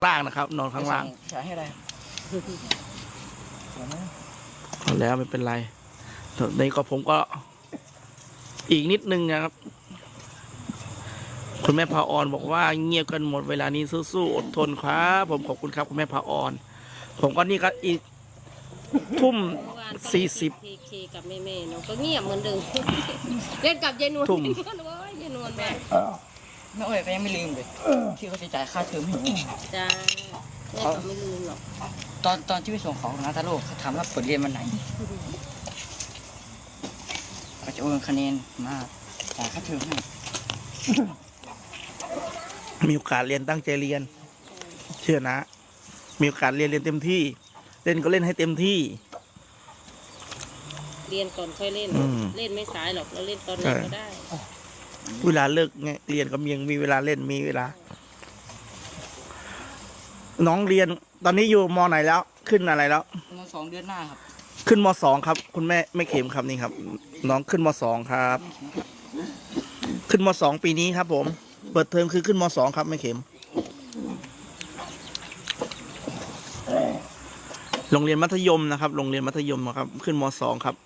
ล่างนะครับ นอนข้างล่างใช้ให้อะไรแล้วไม่เป็นไรในก็ผมก็อีกนิดนึงนะครับคุณแม่พาออนบอกว่าเงียบกันหมดเวลานี้สู้ๆอดทนครับผมขอบคุณครับคุณแม่พาออนผมก็นี่ก็อีกทุ่ม 40 เคกับแม่ๆเนาะก็เงียบเหมือนเดิมเล่นกับยายนวลทุ่มยายนวลแบบแม่อ้อยก็ยังไม่ลืมเลยที่เขาจะจ่ายค่าเทอมให้หนูจ้าแม่ก็ไม่ลืมหรอกตอนที่ไปส่งของนาตาโลเขาถามว่าผลเรียนวันไหนก็จะโอนคะแนนมาจ่ายค่าเทอมให้มีโอกาสเรียนตั้งใจเรียน เชื่อนะ มีโอกาสเรียนเต็มที่ เล่นก็เล่นให้เต็มที่เรียนก่อนค่อยเล่น เล่นไม่สายหรอกเราเล่นตอนไหนก็ได้เวลาเลิกไงเรียนก็ยังมีเวลาเล่นมีเวลา น้องเรียนตอนนี้อยู่ม.ไหนแล้ว ขึ้นอะไรแล้วประมาณ2 เดือนหน้าครับขึ้นม.2ครับ คุณแม่ไม่เข็มครับนี่ครับ น้องขึ้นม.2ครับ ขึ้นม.2ปีนี้ครับ ผม เปิดเทอมคือขึ้นม.2ครับไม่เข็ม โรงเรียนมัธยมนะครับ โรงเรียนมัธยมครับ ขึ้นม.2ครับ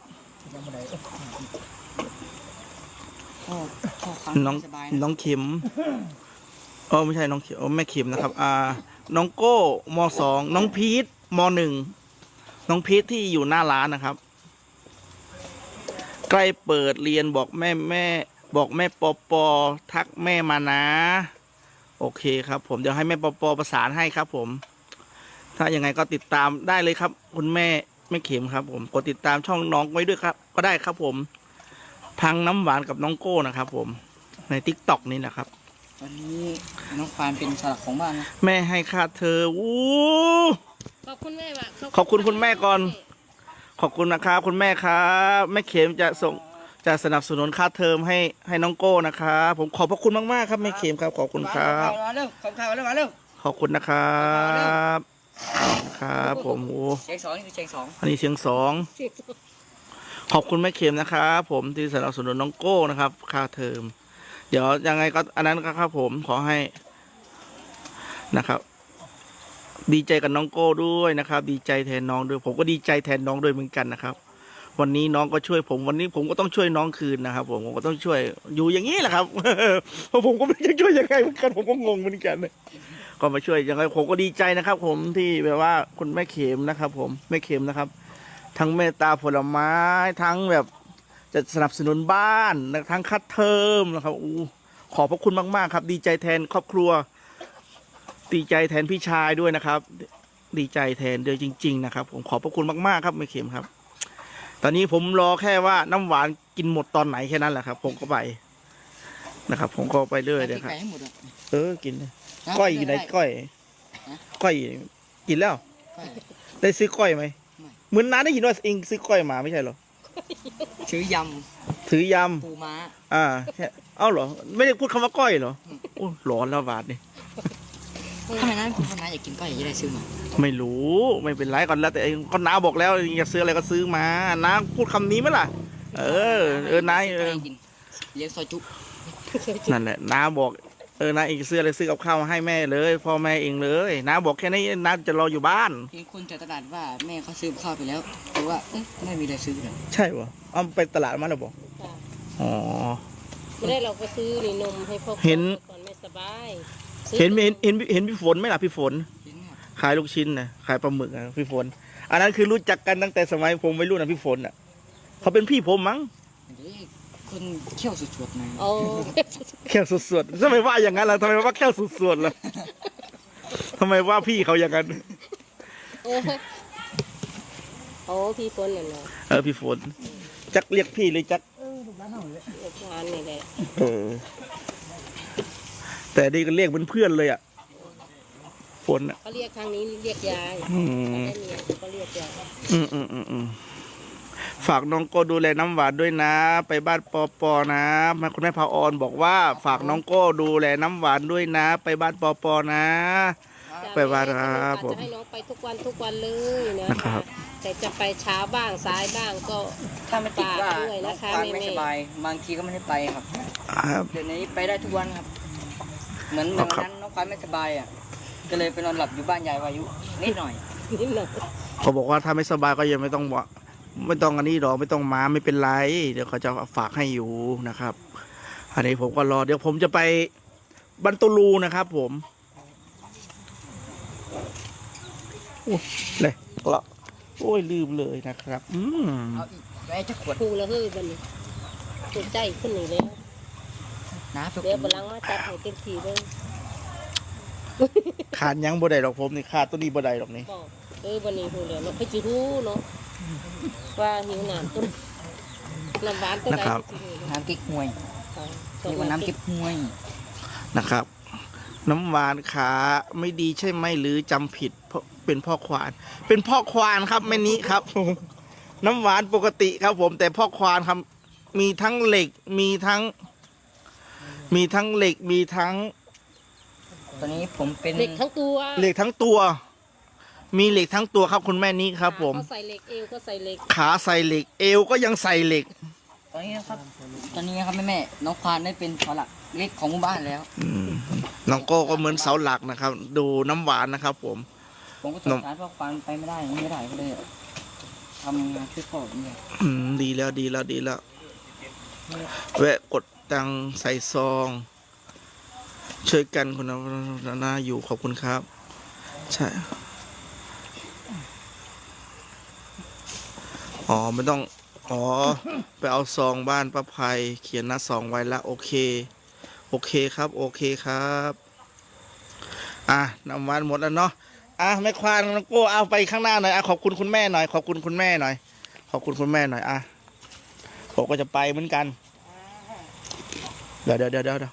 น้องเข็มไม่ใช่น้องเข็มแม่เข็มนะครับน้องโก้ม.2น้องพีทม.1น้องพีทที่อยู่หน้าร้านนะครับ ใกล้เปิดเรียนบอกแม่บอกแม่ปอทักแม่มานะโอเคครับ ผมเดี๋ยวให้แม่ปอประสานให้ครับ ผม ถ้ายังไงก็ติดตามได้เลยครับ คุณแม่เข็มครับ ผมกดติดตามช่องน้องไว้ด้วยครับ ก็ได้ครับ ผมพังน้ำหวานกับน้องโก้นะครับ ผมในTikTokนี่แหละครับตอนนี้น้องควานเป็นสลักของบ้านนะแม่ให้ค่าเธอขอบคุณแม่ว่ะขอบคุณคุณแม่ก่อน ขอบคุณนะครับคุณแม่ครับแม่เข็มจะสนับสนุนค่าเทอมให้น้องโก้นะครับผมขอบพระคุณมากๆครับแม่เข็มครับขอบคุณครับมาเร็วขอบคุณมาเร็วขอบคุณนะครับครับผมเชียง 2นี่คือเชียง 2 อันนี้เสียง2ขอบคุณแม่เข็มนะครับผมที่สนับสนุนน้องโก้นะครับค่าเทอมเดี๋ยวยังไงก็อันนั้นครับผมขอให้นะครับดีใจกับน้องโก้ด้วยนะครับดีใจแทนน้องด้วยผมก็ดีใจแทนน้องด้วยเหมือนกันนะครับวันนี้น้องก็ช่วยผมวันนี้ผมก็ต้องช่วยน้องคืนนะครับผมก็ต้องช่วยอยู่อย่างนี้แหละครับ เพราะผมก็ไม่รู้จะช่วยยังไงเหมือนกันผมก็งงเหมือนกันก็มาช่วยยังไงผมก็ดีใจนะครับ ผมที่แบบว่าคุณแม่เข็มนะครับ ผมแม่เข็มนะครับ ทั้งเมตตาผลไม้ทั้งแบบจะสนับสนุนบ้านทั้งคัดเทอมนะครับขอบพระคุณมากๆครับดีใจแทนครอบครัวดีใจแทนพี่ชายด้วยนะครับดีใจแทนเดียวจริงๆนะครับผมขอบพระคุณมากๆครับแม่เข็มครับตอนนี้ผมรอแค่ว่าน้ำหวานกินหมดตอนไหนแค่นั้นแหละครับผมก็ไปนะครับผมก็ไปเรื่อยเลยครับกินก้อยอยู่ไหนก้อยกินแล้วได้ซื้อก้อยไหมเหมือนน้าได้ยินว่าเองซื้อก้อยมาไม่ใช่หรอซื้อยำปูม้าเอ้าเหรอไม่ได้พูดคำว่าก้อยเหรอโอ้ร้อนแล้วบาทนี่ทำไมนะคุณน้าอยากกินก้อยอยากได้ซื้อมาไม่รู้ไม่เป็นไรก่อนแล้วแต่ก็น้าบอกแล้วอยากซื้ออะไรก็ซื้อมาน้าพูดคำนี้ไหมล่ะนายเลี้ยงซอยจุนั่นแหละน้าบอกน้าเองซื้ออะไรซื้อกับข้าวมาให้แม่เลยพ่อแม่เองเลยน้าบอกแค่นี้น้าจะรออยู่บ้านเพียงคนจากตลาดว่าแม่เขาซื้อข้าวไปแล้วแต่ว่าไม่มีอะไรซื้อเลยใช่ปะเอาไปตลาดมาแล้วบอกอ๋อไม่ได้เราก็ซื้อนี่นมให้พ่อเห็นก่อนไม่สบายเห็นพี่ฝนไหมล่ะพี่ฝนขายลูกชิ้นนะขายปลาหมึกนะพี่ฝนอันนั้นคือรู้จักกันตั้งแต่สมัยผมวัยรุ่นนะพี่ฝนอ่ะเขาเป็นพี่ผมมั้งคนเขี้ยวสุดๆนะเขี้ยวสุดๆทำไมว่าอย่างนั้นล่ะทำไมว่าเขี้ยวสุดๆล่ะทำไมว่าพี่เขาอย่างนั้นพี่ฝนเนี่ยพี่ฝนจักเรียกพี่เลยจักร้านนี่แหละแต่นี่ก็เรียกเพื่อนเลยอ่ะฝนเขาเรียกทางนี้เรียกยายเขาเรียกยายฝากน้องโก้ดูแลน้ำหวานด้วยนะไปบ้านปอนะคุณแม่พาออนบอกว่าฝากน้องโก้ดูแลน้ำหวานด้วยนะไปบ้านปอนะไปบ้านครับผมจะให้น้องไปทุกวันเลยนะครับแต่จะไปเช้าบ้างสายบ้างก็ถ้าไม่ติดว่าน้องควานไม่สบายบางทีก็ไม่ได้ไปครับเดี๋ยวนี้ไปได้ทุกวันครับเหมือนวันนั้นน้องควานไม่สบายก็เลยไปนอนหลับอยู่บ้านยายวายุนิดหน่อยนิดหน่อยเขาบอกว่าถ้าไม่สบายก็ยังไม่ต้องบอกไม่ต้องอันนี้หรอกไม่ต้องมาไม่เป็นไร เดี๋ยวเขาจะฝากให้อยู่นะครับ อันนี้ผมก็รอเดี๋ยวผมจะไปบันตูลูนะครับผมโอ้ยเลยละโอ้ยลืมเลยนะครับเอาอีกแม่จะขวดพูแล้วเฮ้ยบันนี้ถูกใจขึ้นหนึ่งแล้วน้ำสักเดี๋ยวบลังมาจัดให้เต็มที่เลยขาดยังบ่ได้หรอกผมนี่ขาดตัวนี้บ่ได้หรอกนี่บอกบันนี้พูแล้วเนาะไปจิรู้เนาะว่าหิวน้ำต้นน้ำหวานต้นไหนสิรู้เนาะน้ำกิ๊กหวยนี่ว่าน้ำกิ๊กหวยนะครับ น้ำหวานขาไม่ดีใช่ไหมหรือจำผิดเพราะเป็นพ่อควาน เป็นพ่อควานครับแม่นี้ครับ น้ำหวานปกติครับผมแต่พ่อควานครับมีทั้งเหล็กมีทั้งเหล็กมีทั้งตอนนี้ผมเป็นเหล็กทั้งตัวเหล็กทั้งตัว มีเหล็กทั้งตัวครับคุณแม่นี้ครับ ผมเขาใส่เหล็กเอวก็ใส่เหล็กขาใส่เหล็กเอวก็ยังใส่เหล็กตอนนี้นะครับแม่น้องควานได้เป็นเสาหลักเล็กของหมู่บ้านแล้วน้องโก้ก็เหมือนเสาหลักนะครับ ดูน้ำหวานนะครับ ผมผมก็สงสารพ่อควานไปไม่ได้ก็เลยทำงานช่วยพ่อเนี่ยดีแล้วแวะกดตังใส่ซอง ช่วยกันคุณนาอยู่ขอบคุณครับ ใช่อ๋อไม่ต้องอ๋อไปเอาซองบ้านป้าภัยเขียนหน้าซองไว้แล้วโอเคครับโอเคครับน้ำหวานหมดแล้วเนาะแม่ควานน้องโก้เอาไปข้างหน้าหน่อยขอบคุณคุณแม่หน่อยขอบคุณคุณแม่หน่อยขอบคุณคุณแม่หน่อยผมก็จะไปเหมือนกันเดี๋ยว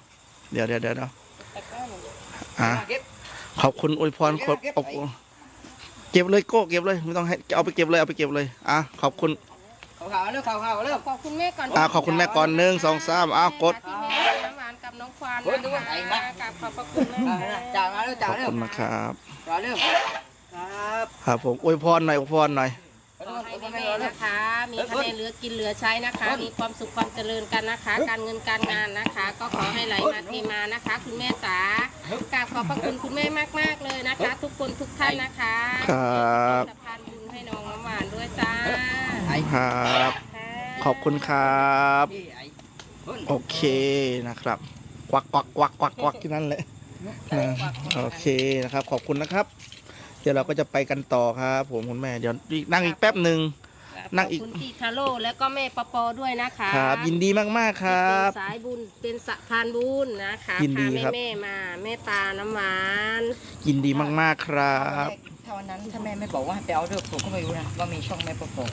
ขอบคุณอวยพรขอบคุณเก็บเลยโก้เก็บเลยไม่ต้องให้เอาไปเก็บเลยขอบคุณข่าวเร็วขอบคุณแม่ก่อนขอบคุณแม่ก่อน1 2 3กดที่แม่น้ำหวานกับน้องควานนะคะกับขอบพระคุณแม่จ่ามาเร็วขจ่าอบเร็วคุณนะครับจ่าเร็วครับครับผมอวยพรหน่อยขอให้แม่นะคะ มีคะแนนเหลือกินเหลือใช้นะคะ มีความสุขความเจริญกันนะคะ การเงินการงานนะคะ ก็ขอให้ไหลมาเทมานะคะ คุณแม่จ๋ากราบขอบพระคุณคุณแม่มากๆเลยนะคะ ทุกคนทุกท่านนะคะครับสะพานบุญให้น้องน้ำหวานด้วยจ้าครับค่ะขอบคุณครับโอเคนะครับกวักที่นั่นเลยโอเคนะครับ ขอบคุณนะครับ เดี๋ยวเราก็จะไปกันต่อครับผมคุณแม่เดี๋ยวนั่งอีกแป๊บหนึ่ง นั่งอีกขอบคุณพี่คาโร่แล้วก็แม่ปอปอด้วยนะคะครับ ยินดีมากๆครับเป็นสายบุญเป็นสะพานบุญนะคะยินดีพาครับแม่มาแม่ตาน้ำหวานยินดีมากๆครับถ้าวันนั้นถ้าแม่ไม่บอกว่าให้ไปเอาเรื่องผมก็ไม่รู้นะว่ามีช่องแม่ปก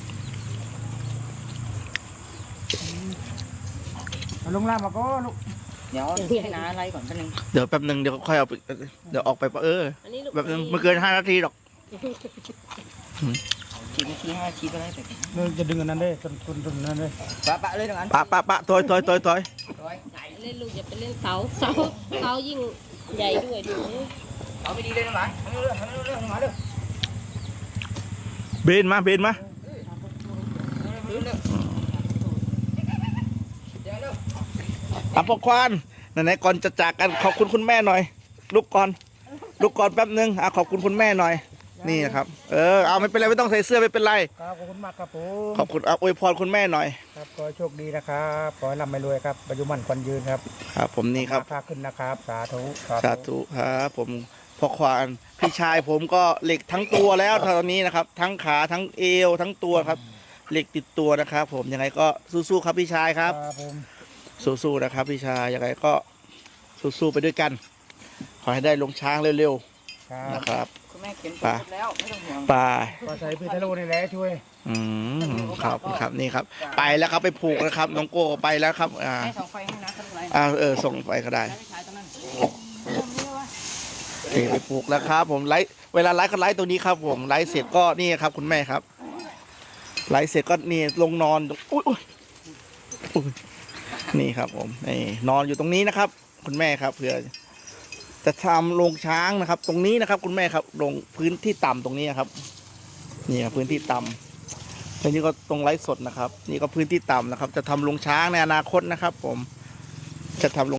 ลงล่างมาก็ลูกเดี๋ยวให้น้าไล่ก่อนแป๊บนึงเดี๋ยวแป๊บหนึ่งเดี๋ยวค่อยเอาไปเดี๋ยวออกไปอันนี้ลูกแบบนึงไม่เกิน5 นาทีหรอก 4 นาที 5 นาทีก็ได้ไปจะดึงอันนั้นได้ต้นนั้นได้ปะเลยตรงนั้นปะถอยเล่นลูกอย่าไปเล่นเสายิ่งใหญ่ด้วยดูเอาไม่ดีเลยนะหมาทำเรื่องหมาเร็วเบนมาเร็วพ่อควานไหนๆก่อนจะจากกันขอบคุณคุณแม่หน่อยลุกก่อนแป๊บนึงขอบคุณคุณแม่หน่อยนี่นะครับเอาไม่เป็นไรไม่ต้องใส่เสื้อไม่เป็นไรครับขอบคุณมากครับผมขอบคุณอวยพรคุณแม่หน่อยครับขอให้โชคดีนะครับขอให้ร่ำให้รวยครับอายุมั่นขวัญยืนครับครับผมนี่ครับค้าขึ้นนะครับสาธุสาธุครับผมพ่อควานพี่ชายผมก็เหล็กทั้งตัวแล้วตอนนี้นะครับ ทั้งขาทั้งเอวทั้งตัวครับเหล็กติดตัวนะครับ ผมยังไงก็สู้ๆครับพี่ชายครับครับผมสู้ๆนะครับพี่ชายยังไงก็สู้ๆไปด้วยกัน ขอให้ได้ลงช้างเร็วครัๆบนะครับคุณแม่เขียนแล้วไม่ต้องห่วงไปก็ใส่พี่ทะลุนี่แหละช่วยครับนี่ครับ ไปแล้วครับไปผูกนะครับน้องโก้ไปแล้วครับให้ส่องไฟให้นะครับส่งไปก็ได้ไม่ใช้ตรงนั้นนี่ไปผูกแล้วครับ ผมไลฟ์เวลาไลฟ์ก็ไลฟ์ตรงนี้ครับ ผมไลฟ์เสร็จก็นี่ครับ คุณแม่ครับไลฟ์เสร็จก็นี่ลงนอนอุ้ยนี่ครับ ผมนี่นอนอยู่ตรงนี้นะครับ คุณแม่ครับเผื่อจะทำโรงช้างนะครับ ตรงนี้นะครับ คุณแม่ครับลงพื้นที่ต่ำตรงนี้ครับนี่ครับพื้นที่ต่ำแล้วนี่ก็ตรงไลฟ์สดนะครับ นี่ก็พื้นที่ต่ำนะครับ จะทำโรงช้างในอนาคตนะครับ ผมจะทำ